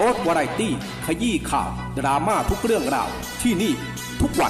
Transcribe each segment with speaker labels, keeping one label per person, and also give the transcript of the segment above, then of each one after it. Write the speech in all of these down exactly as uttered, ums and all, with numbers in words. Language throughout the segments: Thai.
Speaker 1: รสวาไรตี้ขยี้ข่าวดราม่าทุกเรื่องราวที่นี่ทุกวัน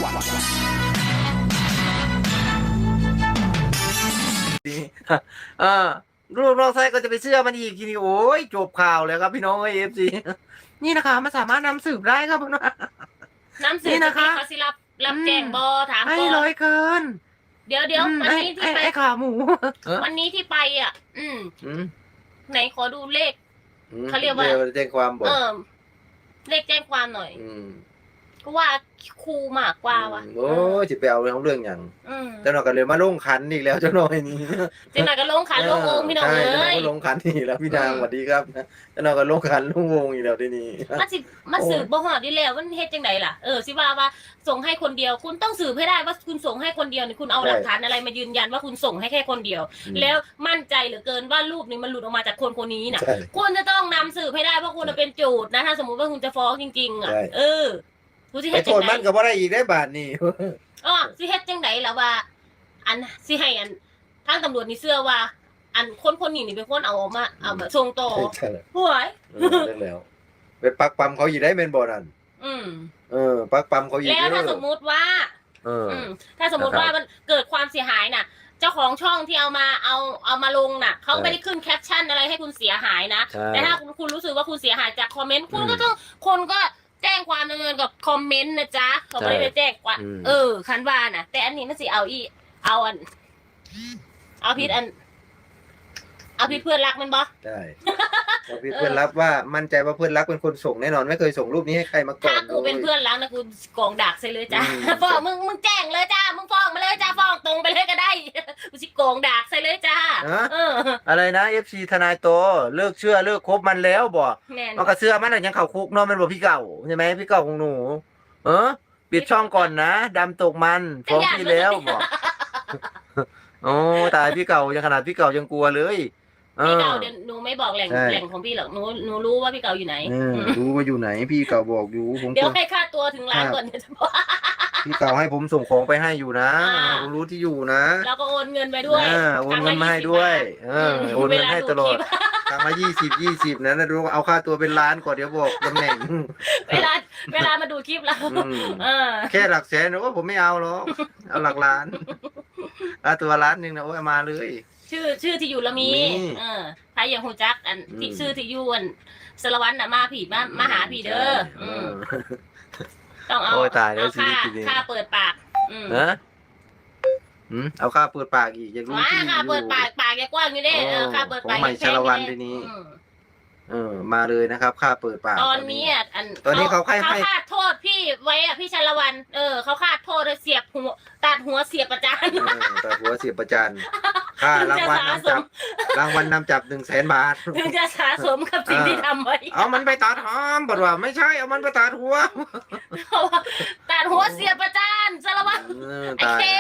Speaker 2: เออรูปนอกไซก็จะไปเชื่อมันอีกทีนี้โอ้ยจบข่าวเลยครับพี่น้องเอฟซีนี่นะคะมันสามารถนำสืบได้ครับพี่น้อง
Speaker 3: น้ำสืบนะคะเขาสิรับรับแจ้งบอถามก่อน
Speaker 2: ให้ร้อยเกิน
Speaker 3: เดี๋ยวเดี๋ยววันนี้ที่ไป
Speaker 2: ไอ้ขาหมู
Speaker 3: วันนี้ที่ไปอ่ะ อืมไหนขอดูเลขเขาเรียกว่า
Speaker 2: แจ้งความบอก
Speaker 3: เออเลขแจ้งความหน่อยก็ว่าครูมากกว่าว่ะ
Speaker 2: โอ้จะไปเอาเรื่องเรื่องอย่างเจ้าหน่อยก็เลยมาลงขันอีกแล้วเจ้าหน่อยนี่
Speaker 3: เจ้าหน่อยก็ลงขันลงวงพี่น้องเลย
Speaker 2: เจ้าหน่อยก็ลงขันนี่แล้วพี่นางสวัสดีครับเจ้าหน่อยก็ลงขันลงวงอีกแล้วที่นี่
Speaker 3: มาสิมาสืบบ่หอดดีแล้วมันเฮ็ดจังไดล่ะเออสิว่าว่าส่งให้คนเดียวคุณต้องสืบให้ได้ว่าคุณส่งให้คนเดียวนี่คุณเอาหลักฐานอะไรมายืนยันว่าคุณส่งให้แค่คนเดียว แล้วมั่นใจเหลือเกินว่ารูปนี้มันหลุดออกมาจากคนคนนี้น่ะคุณจะต้องนำสืบให้ได้เพราะคุณเป็นโจทย์นะถ้าสมมติว่าคุณจะฟ้องจริงๆอ่ะเออ
Speaker 2: ไปโทษมันก็บ่ได้อีกได้บาทนี่
Speaker 3: อ๋อสิเฮ็ดจังไดล่ะว่าอันสิให้อันทางตำรวจนี่เชื่อว่า อันคนคนนี้นี่เป็นคนเอาออกมาเอามาส่งต่อหวย
Speaker 2: แล้วไปปักปั๊มเขาอยู่ได้แม่นบ่นั่น
Speaker 3: อืม
Speaker 2: เออปักปั๊มเขาอยู่
Speaker 3: แล้วถ้าสมมุติว่าเออถ้าสมมุติว่ามันเกิดความเสียหายน่ะเจ้าของช่องที่เอามาเอาเอามาลงน่ะเขาไม่ได้ขึ้นแคปชั่นอะไรให้คุณเสียหายนะแต่ถ้าคุณรู้สึกว่าคุณเสียหายจากคอมเมนต์คุณก็ต้องคนก็แจ้งความดำเนินกับคอมเมนต์นะจ๊ะเขาไม่ได้ไปแจ้งกว่าเออคันว่าน่ะแต่อันนี้มันสิเอาอีเอาอันเอาพิษอันเอาพิษเพื่อนรักมันบ่
Speaker 2: ใช่เอาพิษเพื่อนรักว่ามั่นใจว่าเพื่อนรักเป็นคนส่งแน่นอนไม่เคยส่งรูปนี้ให้ใครมาก่อน
Speaker 3: ถ้ากูเป็นเพื่อนรักนะกูกองดักใส่เลยจ้าฟ้องมึงมึงแจ้งเลยจ้ามึงฟ้องมาเลยจ้าฟ้องตรงไปเลยก็ได้กูสิกองดักใส่เลยจ้า
Speaker 2: เอออะไรนะ เอฟ ซี ทนายโตเลิกเชื่อเลิกคบมันแล้วบ่มันก็เชื่อมันยังเข้าคุกเนาะมันบ่พี่เก่าใช่ไหมพี่เก่าของหนูเออปิดช่องก่อนนะดำตกมันฟ้องพี่แล้วบ่โอ้ตายพี่เก่ายังขนาดพี่เก่ายังกลัวเลย
Speaker 3: พี่เก่าเดี๋ยวหนูไม่บอกแหล่งแหล่งของพี่หรอกหนูหนูรู้ว่าพี่เก่าอยู่ไหน
Speaker 2: รู้ว่าอยู่ไหนพี่เก่าบอกอยู่ผม
Speaker 3: เดี๋ยวให้ค่าตัวถึงล้านก่อนจะบอก
Speaker 2: พี่เก่าให้ผมส่งของไปให้อยู่นะผมรู้ที่อยู่นะ
Speaker 3: แล้วก็โอนเงินไปด้วย
Speaker 2: โอนเงินมาให้ด้วยเออโอนเงินให้ตลอดครั้งละยี่สิบยี่สิบนะนะดูเอาค่าตัวเป็นล้านก่อนเดี๋ยวบอกตำแหน่ง
Speaker 3: เวลาเวลามาดูคลิปเรา
Speaker 2: แค่หลักแสนนะว่าผมไม่เอาหรอกเอาหลักล้านเอาตัวล้านหนึ่งนะโอ้ยมาเลย
Speaker 3: ชื่อชื่อที่อยู่ละมีเออใครอย่างหูจักอันที่ชื่อที่อยู่อันสารวัตรน่ะมาผีมามาหาผีเด้อต้องเอาเอาค่าค่าเปิดปาก
Speaker 2: เออเอาค่าเปิดปากอีกอยากรู้ที่
Speaker 3: ค่าเปิดปากปากแกกว้างอยู่เด้เออค่าเปิดปาก
Speaker 2: ใหม่ชาละวันทีนี้เออมาเลยนะครับค่าเปิดปาก
Speaker 3: ตอนนี้อ่ะอัน
Speaker 2: ตอนนี้เขาให้
Speaker 3: เขาคาดโทษพี่ไว้อ่ะพี่ชาละวันเออเขาคาดโทษเสียบหัวตัดหัวเสียบประจาน
Speaker 2: ตัดหัวเสียบประจานค่ารางวัลนำจับรางวัลนำจับหนึ่งแสนบาท
Speaker 3: ถึงจะสะสมกับสิ่งที่ทำไว้
Speaker 2: เอามันไปตัดหอมบอกว่าไม่ใช่เอามันไปตัดหัว
Speaker 3: ตัดหัวเสียบประจานชาละวันไอ้เค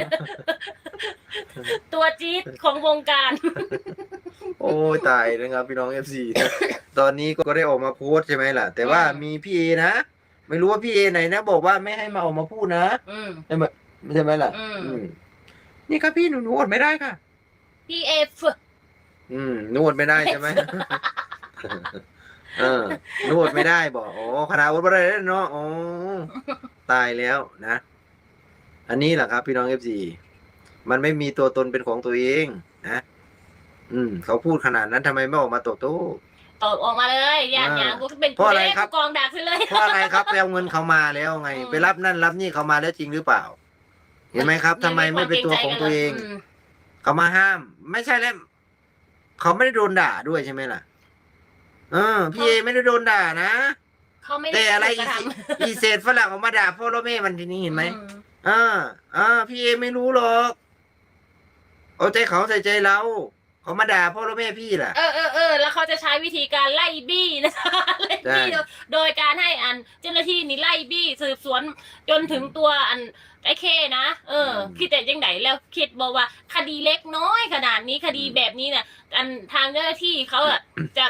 Speaker 3: ตัวจี๊ดของวงการ
Speaker 2: โอ้ยตายนะครับพี่น้อง เอฟ ซี ตอนนี้ก็ได้ออกมาโพสใช่ไหมล่ะแต่ว่ามีพี่เอนะไม่รู้ว่าพี่เอไหนนะบอกว่าไม่ให้มาออกมาพูดนะใช่ไหมใช่ไหมล่ะนี่ครับพี่หนูหนูอดไม่ได้ค่ะ
Speaker 3: พี่เอฟ
Speaker 2: อืมนวดไม่ได้ใช่ไหมเออนวดไม่ได้บอกโอ้ขนาดอดไม่ได้เนาะโอ้ตายแล้วนะอันนี้แหละครับพี่น้อง เอฟ ซี มันไม่มีตัวตนเป็นของตัวเองนะอืมเขาพูดขนาดนั้นทำไมไม่ออกมาตอบโต้
Speaker 3: ตอบออกมาเลยอย่างอย่างกูเป็นเพราะอะไรครับกองดักเลย
Speaker 2: เพราะอะไรครับไปเอาเงินเขามาแล้วไงไปรับนั่นรับนี่เขามาแล้วจริงหรือเปล่าเห็นไหมครับทำไมไม่เป็นตัวของตัวเองเขามาห้ามไม่ใช่แล้วเขาไม่ได้โดนด่าด้วยใช่ไหมล่ะเออพี่เอไม่ได้โดนด่านะแต่อะไรอีเศษฝรั่งออกมาด่าพ่อและแม่มันทีนี้เห็นไหมอ่าอ่าพี่เอไม่รู้หรอกเอาใจเขาใส่ใจเราเขามาด่าพ่อและแม่พี่ล่ะ
Speaker 3: เออเออเออแล้วเขาจะใช้วิธีการไล่บี้นะคะไล่บี้โดยการให้อันเจ้าหน้าที่นี่ไล่บี้สืบสวนจนถึงตัวอันไอ้เคนะเออคิดแต่ยังไงแล้วคิดบอกว่าคดีเล็กน้อยขนาดนี้คดีแบบนี้เนี่ยอันทางเจ้าหน้าที่เขาอะจะ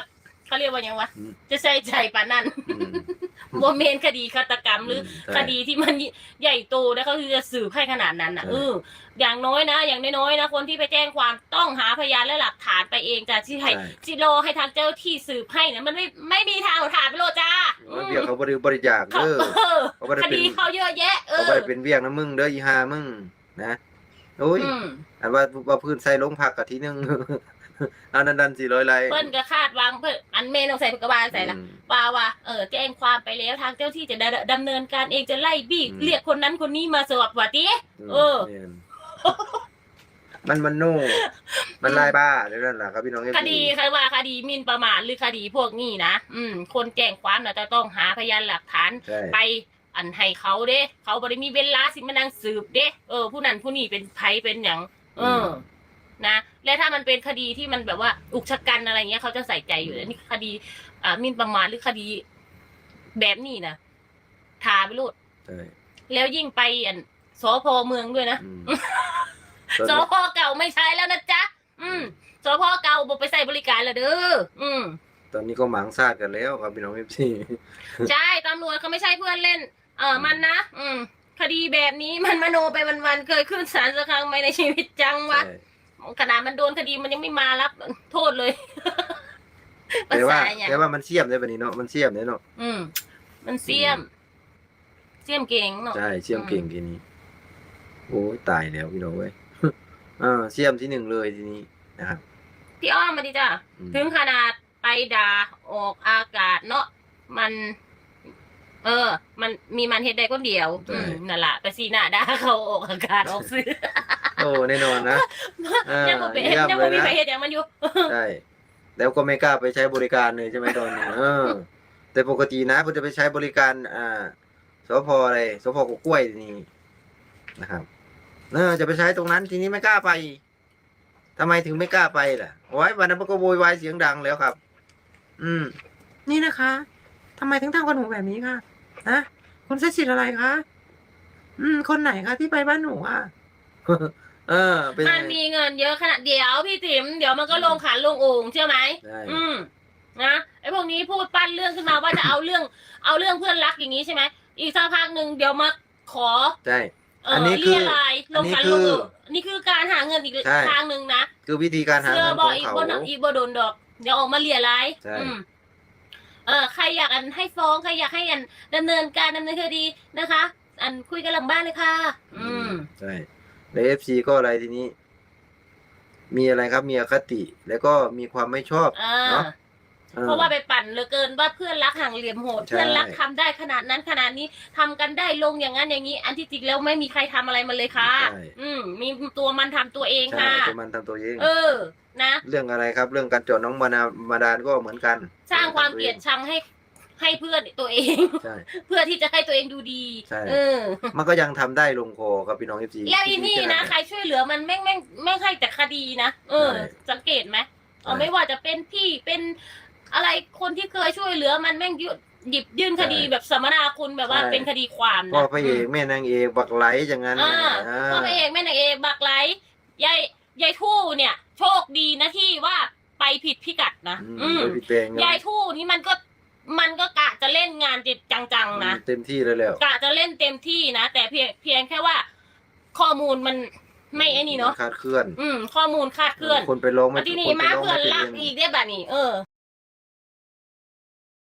Speaker 3: เขาเรียกว่ายังวะ
Speaker 2: อืม
Speaker 3: จะใส่ใจปานนั้น
Speaker 2: อืม
Speaker 3: โมเมนคดีฆาตกรรมหรือ
Speaker 2: ใช่
Speaker 3: คดีที่มันใหญ่โตนะเขาคือจะสืบให้ขนาดนั้นนะ
Speaker 2: ใช่
Speaker 3: เอออย่างน้อยนะ อย่างน้อยๆนะคนที่ไปแจ้งความต้องหาพยานและหลักฐานไปเองจ้ะที่ให้
Speaker 2: ใช่
Speaker 3: จิโรให้ทางเจ้าที่สืบให้เนี่ยมันไม่ไม่มีทางเอาถานไปโลดจ้าอืม
Speaker 2: เดี๋ยวเขาบริบริจาค
Speaker 3: เขา
Speaker 2: เด้อ
Speaker 3: เออ
Speaker 2: เขาบ่ได้
Speaker 3: ค
Speaker 2: เป็น
Speaker 3: ดีเขาเยอะแยะ เอ
Speaker 2: เขา
Speaker 3: อ
Speaker 2: บ่ได้เป็นเวียงนะมึงเด้ออีหามึงนะโอ้ย
Speaker 3: อืม
Speaker 2: อันว่าว่าพื้นใส่ลงผักกะทีนึง อันนั้นดันสี่ร้อยไลค์
Speaker 3: เปิ้นก็คาดหวังเพิ่นอันเมนต้องใส่กระบาลใส่ละ
Speaker 2: อืม
Speaker 3: ว่าว่าเออแจ้งความไปแล้วทางเจ้าที่จะดำดำเนินการเองจะไล่บี้
Speaker 2: อืม
Speaker 3: เรียกคนนั้นคนนี้มาสอบว่าติ เออ
Speaker 2: แม่นมันมันโน่มันลายบ้าเดี๋ยวนั่นแหละครับพี่น้องเอฟ
Speaker 3: คดีใครว่าคดีหมิ่นประมาทหรือคดีพวกนี้นะอืม คนแจ้งความน่ะจะต้องหาพยานหลักฐาน
Speaker 2: ใช่
Speaker 3: ไปอันให้เขาเด้ เขาบริมีเวลาสิมานั่งสืบเด้เออผู้นั้นผู้นี้เป็นไผเป็นอย่างเออ นะ และถ้ามันเป็นคดีที่มันแบบว่าอุกชะกันอะไรเงี้ยเขาจะใส่ใจอยู่แล้วนี่คดีอ่าหมิ่นประมาทหรือคดีแบบนี้นะทาไปโลด
Speaker 2: ใช่
Speaker 3: แล้วยิ่งไปอันสพเมืองด้วยนะ
Speaker 2: อืม
Speaker 3: สพเก่าไม่ใช้แล้วนะจ๊ะอืมสพเก่าบอกไปใส่บริการแล้วเด้ออืม
Speaker 2: ตอนนี้ก็หมางซาดกันแล้วครับพี่น้องเอฟซี
Speaker 3: ใช่ตำรวจเขาไม่ใช่เพื่อนเล่น เออมันนะอืม คดีแบบนี้มันมโนไปวันๆเคยขึ้นศาลสักครั้งไหมในชีวิตจังวะขนาดมันโดนคดีมันยังไม่มารับโทษเลย
Speaker 2: แต่ว่า
Speaker 3: ภษอย่ง
Speaker 2: แต่ว่ามันเสียมได้แบบนี้เนาะมันเสียมได้เนาะ
Speaker 3: อืม มันเสียม เสียมเก่งเนาะ
Speaker 2: ใช่เสียมเก่งทีนี้โอ้ยตายแล้วพี่น้องเว้ย อ่าเสียมที่หนึ่งเลยทีนี้นะครับ
Speaker 3: พี่อ้อมมาดิจ้ะ
Speaker 2: อืม
Speaker 3: ถึงขนาดไปด่าออกอากาศเนาะมัน เออ มันมีมันเฮ็ดได้คนเดียวอืมนั่นแหละไปซีหน้าด่าเขาออกอากาศออกซื้อ
Speaker 2: โอ้แน่นอนนะ อ่า
Speaker 3: ยังบ่เป็น
Speaker 2: เยี่ยม
Speaker 3: ยังบ่
Speaker 2: เลย
Speaker 3: มี
Speaker 2: นะ
Speaker 3: ใครเฮ็ดอย่างมันอยู่
Speaker 2: ใช่แล้วก็ไม่กล้าไปใช้บริการเลยใช่ไหมตอนนี้เออ แต่ปกตินะผมจะไปใช้บริการ อ่าสพอะไรสพกกล้วยนี่นะครับเออจะไปใช้ตรงนั้นทีนี้ไม่กล้าไปทำไมถึงไม่กล้าไปล่ะโอ้ยวันนั้นมันก็โวยวายเสียงดังแล้วครับ อืม นี่นะคะทำไมถึงทำกับหนูแบบนี้คะฮะคุณใช้สิทธิ์อะไรคะอืม คนไหนคะที่ไปบ้านหนูอ่ะ เออ เป็น
Speaker 3: มันมีเงินเยอะขนาดเดี๋ยวพี่ติ๋มเดี๋ยวมันก็ลงขันลงโอ่งเชื่อไหม
Speaker 2: ใช่
Speaker 3: อืมนะไอ้พวกนี้พูดปั้นเรื่องขึ้นมาว่าจะเอาเรื่อง เอาเรื่องเพื่อนรักอย่างนี้ใช่ไหมอีกสักพักหนึ่งเดี๋ยวมาขอ
Speaker 2: ใช่
Speaker 3: เอ
Speaker 2: อั
Speaker 3: อน
Speaker 2: นี้คือ
Speaker 3: เรียรายลงขัน
Speaker 2: อันนี้
Speaker 3: ล
Speaker 2: คื
Speaker 3: ง
Speaker 2: อ
Speaker 3: โอ่งนี่คือการหาเงินอีก
Speaker 2: ใช่
Speaker 3: ทางหนึ่งนะ
Speaker 2: คือวิธีการหา
Speaker 3: เสื้อ
Speaker 2: เงิน
Speaker 3: บ
Speaker 2: ข
Speaker 3: อ
Speaker 2: อก ง
Speaker 3: อีก
Speaker 2: เขา
Speaker 3: บนอีกบโดนดอก เดี๋ยวออกมาเรียราย
Speaker 2: ใช่
Speaker 3: อืมเออใครอยากอันให้ฟ้องใครอยากให้อันดำเนินการดำเนินคดีนะคะ อันคุยกันหลังบ้านเลยค่ะ อืม
Speaker 2: ใช่ในเอฟซีก็อะไรทีนี้ มีอะไรครับมีอคติ แล้วก็มีความไม่ชอบ
Speaker 3: อ่า
Speaker 2: เนาะออ
Speaker 3: เพราะว่าไปปั่นเหลือเกินว่าเพื่อนรักห่างเหลี่ยมโหด
Speaker 2: ใช่
Speaker 3: เพื่อนรักทำได้ขนาดนั้นขนาดนี้ทำกันได้ลงอย่างนั้นอย่างนี้ อันที่จริงแล้วไม่มีใครทำอะไรมันเลยค่ะ
Speaker 2: ใช่
Speaker 3: อืม มีตัวมันทำตัวเอง
Speaker 2: ใช่
Speaker 3: ค่ะ
Speaker 2: ตัวมันทำตัวเอง
Speaker 3: เออ นะ
Speaker 2: เรื่องอะไรครับ เรื่องการจอดน้องมานามาดานก็เหมือนกัน
Speaker 3: สร้างความเกลียดชังให้ให้เพื่อนตัวเอง
Speaker 2: ใช่
Speaker 3: เพื่อที่จะให้ตัวเองดูดี
Speaker 2: ใช่
Speaker 3: เออ
Speaker 2: มันก็ยังทำได้ลงคอครับพี่น้องเอฟซี
Speaker 3: แล้วอีนี่นะใครช่วยเหลือมันแม่งแม่งแม่งให้แต่คดีนะเออ
Speaker 2: ใช่
Speaker 3: สังเกตไหมเออ
Speaker 2: ใช่
Speaker 3: ไม่ว่าจะเป็นพี่เป็นอะไรคนที่เคยช่วยเหลือมันแม่งยุหยิบยื่นคดี
Speaker 2: ใช่
Speaker 3: แบบสัมมนาคุณแบบว่า
Speaker 2: ใช่
Speaker 3: เป็นคดีความ
Speaker 2: พ่อ
Speaker 3: นะ
Speaker 2: พระเอกแม่นางเอกบักไหลอย่างนั้น
Speaker 3: อ่า
Speaker 2: อ่า
Speaker 3: พ่อพระเอกแม่นางเอกบักไหลยายยายทู่เนี่ย โชคดีนะที่ว่าไปผิดพิกัดนะ
Speaker 2: อืม
Speaker 3: อืม
Speaker 2: โดยพี่แปลง
Speaker 3: ยายทู่นี่มันก็มันก็กะจะเล่นงานจิตจังๆนะ
Speaker 2: เต็มที่เลยแล้ว
Speaker 3: กะจะเล่นเต็มที่นะแต่เพียงเพียงแค่ว่า ข้อมูลมันไม่ไอ้นี่เนาะ
Speaker 2: คาดเคลื่อน
Speaker 3: อืม ข้อมูลคลาดเคลื่อน
Speaker 2: คนไปร้องไม่
Speaker 3: แล้วทีนี้
Speaker 2: คนไป
Speaker 3: มา
Speaker 2: ร้อง
Speaker 3: เพื่อน
Speaker 2: ไม่
Speaker 3: รัก
Speaker 2: เป็น
Speaker 3: อีกได้แบบนี้เออ